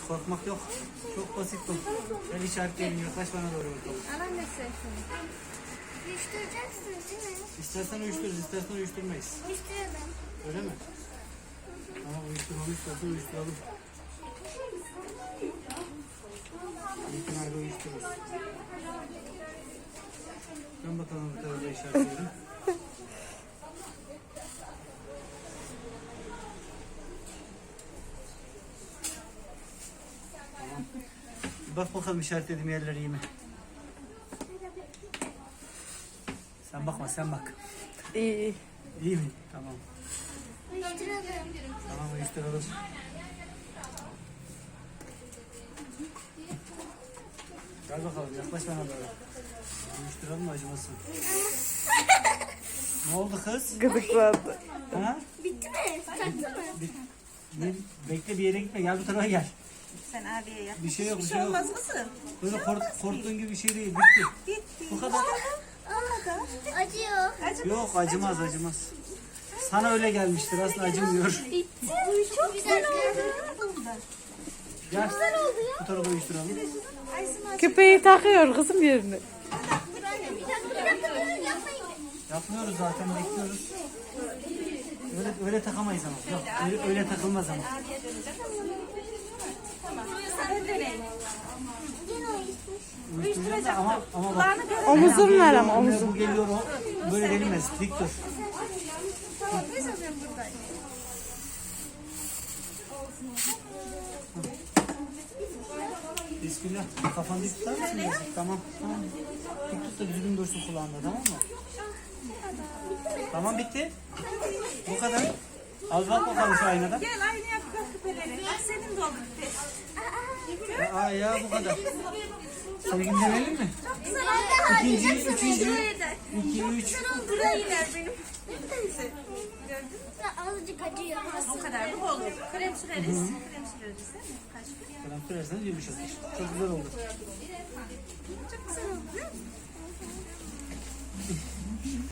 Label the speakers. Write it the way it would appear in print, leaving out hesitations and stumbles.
Speaker 1: Korkmak yok. Çok basit bu. Ben işaretleyelim. Yaklaş bana doğru bakalım.
Speaker 2: Alan ne sesin? Uyuşturacaksınız değil mi?
Speaker 1: İstersen uyuştururuz, istersen uyuşturmayız.
Speaker 2: Uyuşturalım.
Speaker 1: Öyle mi? Ama uyuşturmamı istersen uyuşturalım. İlk nerede uyuştururuz? Ben bakalım bu tarafa işaretleyelim. Tamam. Bak bakalım işaretlediğim yerler iyi mi? Sen bakma, sen bak.
Speaker 3: İyi.
Speaker 1: İyi mi? Tamam.
Speaker 2: Uyuşturalım.
Speaker 1: Tamam, uyuşturalım. Gel bakalım, yaklaş bana doğru. Uyuşturalım mı, acımasın? Ne oldu kız?
Speaker 3: Gıdıklandı.
Speaker 1: Ha?
Speaker 2: Bitti mi? Taktı mı?
Speaker 1: Bekle, bir yere gitme, gel bu tarafa gel.
Speaker 4: Sen abiye yap.
Speaker 1: Bir şey yok, bir
Speaker 4: Bir
Speaker 1: şey
Speaker 4: şey
Speaker 1: yok.
Speaker 4: olmaz mısın?
Speaker 1: Böyle korktuğun gibi bir şey değil, bitti.
Speaker 4: Bitti.
Speaker 1: Bu kadar.
Speaker 2: Acıyor.
Speaker 1: Yok, acımaz, acımaz. Sana öyle gelmiştir, aslında acımıyor.
Speaker 2: Bitti. Çok güzel oldu.
Speaker 1: Gel,
Speaker 2: Güzel oldu ya.
Speaker 1: bu tarafa uyuşturalım.
Speaker 3: Küpeyi takıyor kızım yerine.
Speaker 2: Bir dakika durun yapmayın.
Speaker 1: Yapmıyoruz zaten, bekliyoruz. Öyle takamayız ama. Yok, öyle takılmaz ama.
Speaker 2: Yine uyuşmuş.
Speaker 1: Uyuşturacağız da ama bak.
Speaker 3: Omuzun var ama
Speaker 1: Bu
Speaker 3: omuzun.
Speaker 1: geliyor, o böyle denilmez. Dik dur.
Speaker 2: Tamam biz alıyorum buradayım.
Speaker 1: Bismillah. Kafanı dik tutar mısın? Tamam, tamam. Dik tut da düzgün dursun kulağında, tamam mı? Tamam, bitti. Bu kadar. Al bak bakalım şu aynadan.
Speaker 4: Gel aynı yap küpeleri. Bak senin de oldu küpe.
Speaker 1: Aa ya, bu kadar. Sevgin denelim mi?
Speaker 2: Çok güzel oldu.
Speaker 1: İkinci, üçüncü, iki, üç.
Speaker 2: Buraya gider benim. Azıcık acıyor.
Speaker 4: O kadar mı olur? Krem süreriz. Krem süreriz değil mi? Kaç gün?
Speaker 1: Kalan pürezden yumuşatır. Çok güzel oldu.
Speaker 2: Çok güzel oldu.